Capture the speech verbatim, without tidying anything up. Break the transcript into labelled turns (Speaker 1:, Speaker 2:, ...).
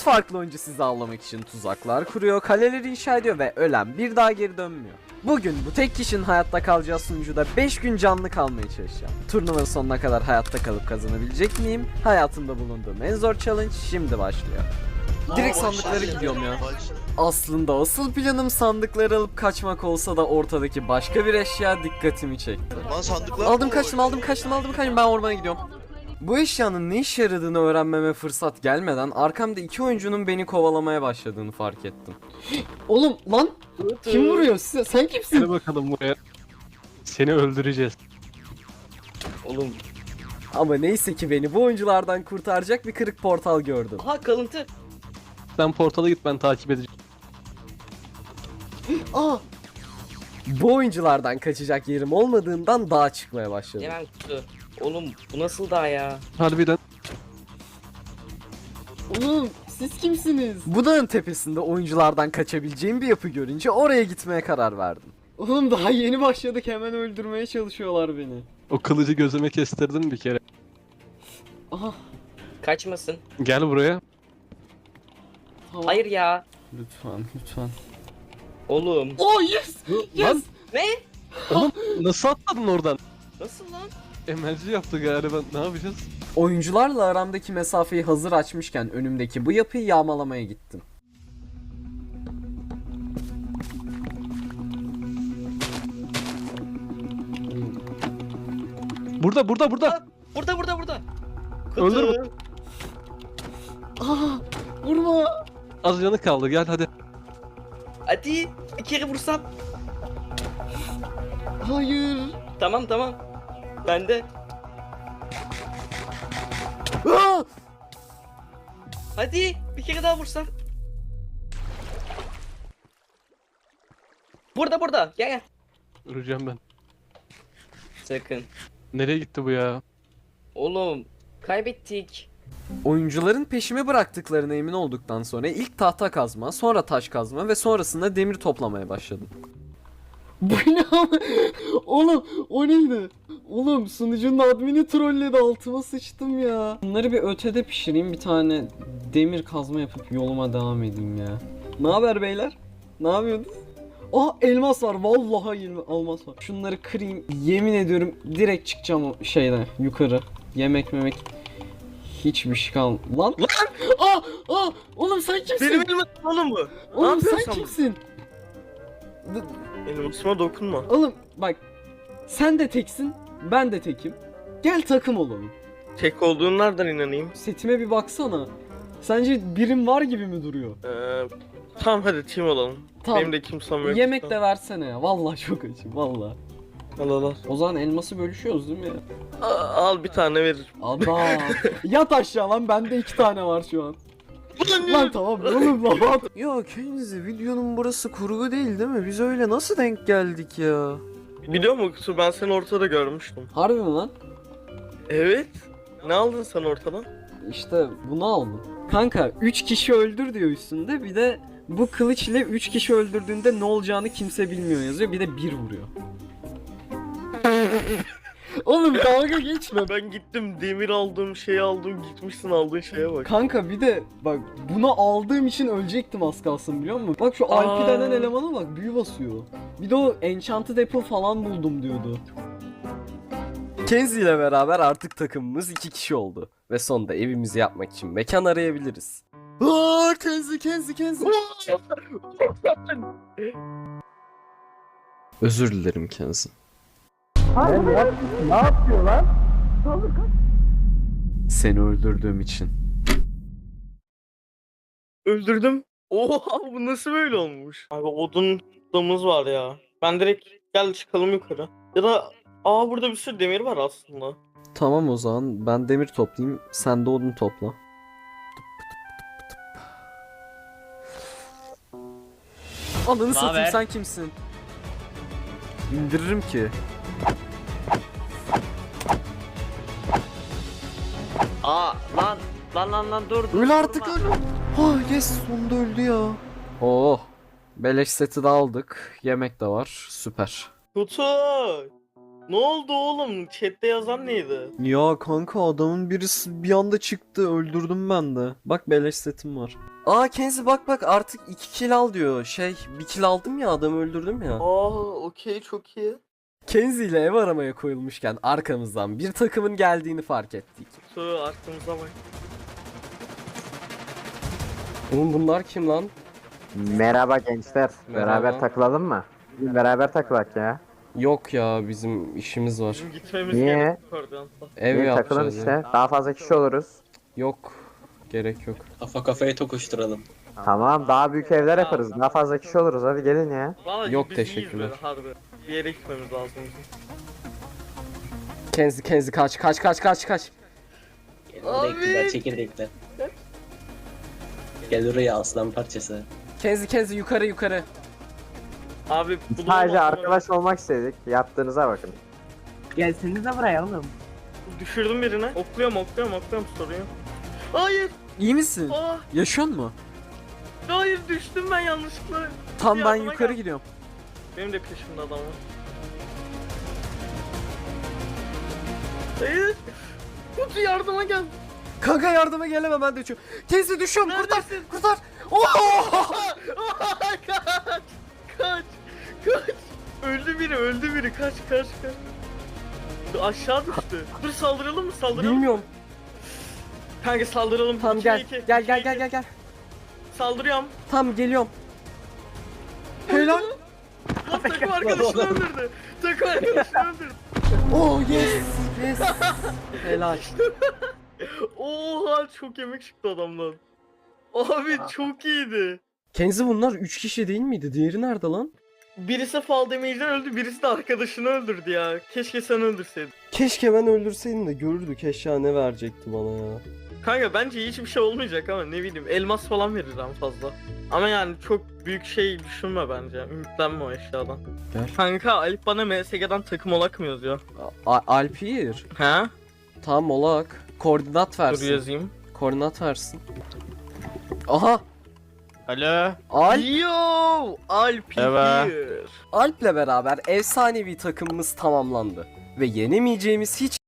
Speaker 1: farklı oyuncu sizi avlamak için tuzaklar kuruyor, kaleleri inşa ediyor ve ölen bir daha geri dönmüyor. Bugün bu tek kişinin hayatta kalacağı sunucuda beş gün canlı kalmaya çalışacağım. Turnuvanın sonuna kadar hayatta kalıp kazanabilecek miyim? Hayatımda bulunduğum en zor challenge şimdi başlıyor. Direkt sandıklara gidiyorum ya. Aslında asıl planım sandıkları alıp kaçmak olsa da ortadaki başka bir eşya dikkatimi çekti.
Speaker 2: Lan sandıklar
Speaker 1: Aldım kaçtım aldım kaçtım aldım kaçtım ben ormana gidiyorum. Bu eşyanın ne işe yaradığını öğrenmeme fırsat gelmeden arkamda iki oyuncunun beni kovalamaya başladığını fark ettim.
Speaker 3: Oğlum lan kim vuruyor size? Sen kimsin?
Speaker 4: Gel bakalım buraya. Seni öldüreceğiz.
Speaker 2: Oğlum.
Speaker 1: Ama neyse ki beni bu oyunculardan kurtaracak bir kırık portal gördüm.
Speaker 5: Aha kalıntı.
Speaker 4: Sen portala git, ben takip edeceğim.
Speaker 3: Aa,
Speaker 1: Bu oyunculardan kaçacak yerim olmadığından dağa çıkmaya başladım.
Speaker 5: Hemen kutu. Oğlum bu nasıl daha ya?
Speaker 4: Harbiden.
Speaker 3: oğlum siz kimsiniz?
Speaker 1: Bu dağın tepesinde oyunculardan kaçabileceğim bir yapı görünce oraya gitmeye karar verdim.
Speaker 3: Oğlum daha yeni başladık, hemen öldürmeye çalışıyorlar beni.
Speaker 4: O kılıcı gözüme kestirdim bir kere.
Speaker 3: Aha,
Speaker 5: Kaçmasın.
Speaker 4: Gel buraya.
Speaker 3: tamam.
Speaker 5: Hayır ya.
Speaker 3: Lütfen, lütfen.
Speaker 5: Oğlum.
Speaker 3: Oh yes! Yes!
Speaker 4: Lan
Speaker 5: Ne?
Speaker 4: oğlum nasıl atladın oradan?
Speaker 5: Nasıl lan?
Speaker 4: Emelci yaptı galiba, ne yapacağız?
Speaker 1: Oyuncularla aramdaki mesafeyi hazır açmışken önümdeki bu yapıyı yağmalamaya gittim.
Speaker 4: Burada burada burada.
Speaker 5: Burada burada burada. Kutu.
Speaker 4: Öldür mü?
Speaker 3: Aa, vurma!
Speaker 4: Az canı kaldı, gel hadi.
Speaker 5: Hadi bir kere vursam.
Speaker 3: Hayır!
Speaker 5: Tamam tamam. Ben de.
Speaker 1: Aa!
Speaker 5: Hadi bir kere daha vursam. Burada burada. Gel gel.
Speaker 4: Öleceğim ben.
Speaker 5: Sakın.
Speaker 4: Nereye gitti bu ya?
Speaker 5: Oğlum kaybettik.
Speaker 1: Oyuncuların peşimi bıraktıklarına emin olduktan sonra ilk tahta kazma, sonra taş kazma ve sonrasında demir toplamaya başladım.
Speaker 3: Bu ne ama? Oğlum o neydi? Oğlum sunucunun admini trolledi, altıma sıçtım ya. Bunları bir ötede pişireyim, bir tane demir kazma yapıp yoluma devam edeyim ya. Ne haber beyler? Ne yapıyorsunuz? Aa elmas var, vallahi elma- elmas var. Şunları kırayım, yemin ediyorum direkt çıkacağım o şeyden yukarı. Yemek memek hiçbir şey kalmadı. Lan! Lan! Aa! Aa! Oğlum sen kimsin?
Speaker 2: Benim elime oğlum bu.
Speaker 3: Oğlum sen
Speaker 2: yapıyorsun?
Speaker 3: kimsin?
Speaker 2: Elmasıma dokunma.
Speaker 3: Oğlum bak, sen de teksin, ben de tekim. Gel takım olalım.
Speaker 2: Tek olduğun nereden inanayım?
Speaker 3: Setime bir baksana. Sence birim var gibi mi duruyor?
Speaker 2: Ee, tamam hadi team olalım.
Speaker 3: Tamam.
Speaker 2: Benim de kimsem yok.
Speaker 3: Yemek de versene ya. Vallahi çok açım vallahi.
Speaker 2: Al al al.
Speaker 3: O zaman elması bölüşüyoruz değil mi ya?
Speaker 2: Aa, al bir tane veririm.
Speaker 3: Adam. Yat aşağı lan, bende iki tane var şu an. Lan tamam oğlum lan.
Speaker 1: Ya Kenzi, videonun burası kurgu değil değil mi? Biz öyle nasıl denk geldik ya?
Speaker 2: Biliyor musun Kutu, ben seni ortada görmüştüm.
Speaker 3: Harbi mi lan?
Speaker 2: Evet. Ne aldın sen ortadan?
Speaker 3: İşte bunu aldım. Kanka üç kişi öldür diyor üstünde, bir de bu kılıç ile üç kişi öldürdüğünde ne olacağını kimse bilmiyor yazıyor, bir de bir vuruyor. Oğlum dalga geçme.
Speaker 2: Ben gittim demir aldım, şey aldım, gitmişsin aldığın şeye bak.
Speaker 3: Kanka bir de bak, bunu aldığım için ölecektim az kalsın, biliyor musun? Bak şu Alpi
Speaker 2: Aa.
Speaker 3: denen elemana bak, büyü basıyor. Bir de o Enchanted Apple falan buldum diyordu.
Speaker 1: Kenzi ile beraber artık takımımız iki kişi oldu. Ve sonunda evimizi yapmak için mekan arayabiliriz. Aa, Kenzi, Kenzi, Kenzi. Özür dilerim Kenzi.
Speaker 3: Ne yapıyor lan?
Speaker 1: Seni öldürdüğüm için.
Speaker 2: Öldürdüm. Oha, bu nasıl böyle olmuş? Abi odun damız var ya. Ben direkt gel çıkalım yukarı. Ya da aa burada bir sürü demir var aslında.
Speaker 1: Tamam o zaman ben demir toplayayım, sen de odun topla. Ananı satayım,
Speaker 5: Naber?
Speaker 1: sen kimsin? İndiririm ki.
Speaker 5: Aa lan lan lan lan dur. dur,
Speaker 1: Öl artık
Speaker 5: durma.
Speaker 1: öl. Oh yes, sonunda öldü ya. Oh. Beleş seti de aldık. Yemek de var. Süper.
Speaker 2: Kutu! Ne oldu oğlum? Chat'te yazan neydi?
Speaker 1: Ya kanka adamın birisi bir anda çıktı, öldürdüm ben de. Bak beleş setim var. Aa Kenzi bak bak artık iki kill al diyor. Şey bir kill aldım ya, adamı öldürdüm ya.
Speaker 2: Aa okey çok iyi.
Speaker 1: Kenzi ile ev aramaya koyulmuşken arkamızdan bir takımın geldiğini fark ettik.
Speaker 2: Su arkamıza bak.
Speaker 3: Oğlum bunlar kim lan?
Speaker 6: Merhaba gençler.
Speaker 3: Merhaba.
Speaker 6: Beraber takılalım mı? Beraber takılak ya.
Speaker 3: Yok ya, bizim işimiz var.
Speaker 2: Bizim gitmemiz
Speaker 6: Niye?
Speaker 2: gerekiyor koordinatla.
Speaker 3: Ev
Speaker 6: İyi, takılın
Speaker 3: yapacağız
Speaker 6: işte.
Speaker 3: ya.
Speaker 6: Daha fazla kişi oluruz.
Speaker 3: Yok. Gerek yok.
Speaker 7: Kafa kafaya tokuşturalım.
Speaker 6: Tamam, daha büyük evler yaparız. Daha fazla kişi oluruz. Hadi gelin ya.
Speaker 2: Vallahi
Speaker 3: Yok,
Speaker 2: biz
Speaker 3: teşekkürler.
Speaker 2: iyiyiz böyle, harbi. Bir yere gitmemiz lazım bizim.
Speaker 3: Kenzi Kenzi kaç kaç kaç kaç kaç.
Speaker 7: Çekirdekler, çekirdekler. Gel oraya aslan parçası.
Speaker 3: Kenzi Kenzi yukarı yukarı.
Speaker 2: Abi bu
Speaker 6: Sadece
Speaker 2: da-
Speaker 6: arkadaş olmak istedik. Yaptığınıza bakın.
Speaker 8: Gelsinize buraya oğlum.
Speaker 2: Düşürdüm birini. Okluyorum okluyorum okluyorum soruyor. Hayır.
Speaker 1: İyi misin?
Speaker 2: Aa,
Speaker 1: Yaşıyor mu?
Speaker 2: hayır düştüm ben yanlışlıkla.
Speaker 1: Tam ben
Speaker 2: Yardıma
Speaker 1: yukarı
Speaker 2: gel.
Speaker 1: gidiyorum.
Speaker 2: Benim de peşimde adam var. Hayır. Kutu yardıma gel.
Speaker 1: Kanka yardıma gelemem, ben de düşüyorum. Kenzi düşüyorum, kurtar
Speaker 2: Neredesin?
Speaker 1: kurtar. Oh!
Speaker 2: kaç. Kaç. Kaç. Öldü biri öldü biri. Kaç kaç kaç. Aşağı düştü. Dur saldıralım mı saldıralım?
Speaker 3: Bilmiyorum.
Speaker 2: Kanka saldıralım.
Speaker 3: Tamam
Speaker 2: İki,
Speaker 3: gel.
Speaker 2: iki,
Speaker 3: Gel
Speaker 2: iki,
Speaker 3: gel
Speaker 2: iki.
Speaker 3: gel gel gel.
Speaker 2: Saldırıyorum.
Speaker 3: Tamam geliyorum.
Speaker 1: Helal.
Speaker 2: Lan takım arkadaşını öldürdü. Takım arkadaşını öldürdü.
Speaker 3: Oh yes yes. Helal.
Speaker 2: Oha çok yemek çıktı adamdan. Abi çok iyiydi.
Speaker 3: Kenzi bunlar üç kişi değil miydi? Diğeri nerede lan?
Speaker 2: Birisi fall damage'den öldü, birisi de arkadaşını öldürdü ya. Keşke sen öldürseydin.
Speaker 3: Keşke ben öldürseydim de görürdük, eşya ne verecekti bana ya.
Speaker 2: Kanka bence hiçbir şey olmayacak ama ne bileyim elmas falan verir en fazla. Ama yani çok büyük şey düşünme bence. Ümitlenme o eşyadan.
Speaker 3: Gel.
Speaker 2: Kanka Alp bana M S G'den takım olak mı yazıyor?
Speaker 3: A- Alpir.
Speaker 2: He?
Speaker 3: Tamam olak. Koordinat
Speaker 2: Dur
Speaker 3: versin.
Speaker 2: yazayım.
Speaker 3: Koordinat versin. Aha.
Speaker 2: Alo.
Speaker 3: Alp.
Speaker 2: Yo! Alp
Speaker 4: Evet.
Speaker 2: here.
Speaker 3: Alp'le beraber efsanevi takımımız tamamlandı. Ve yenemeyeceğimiz hiç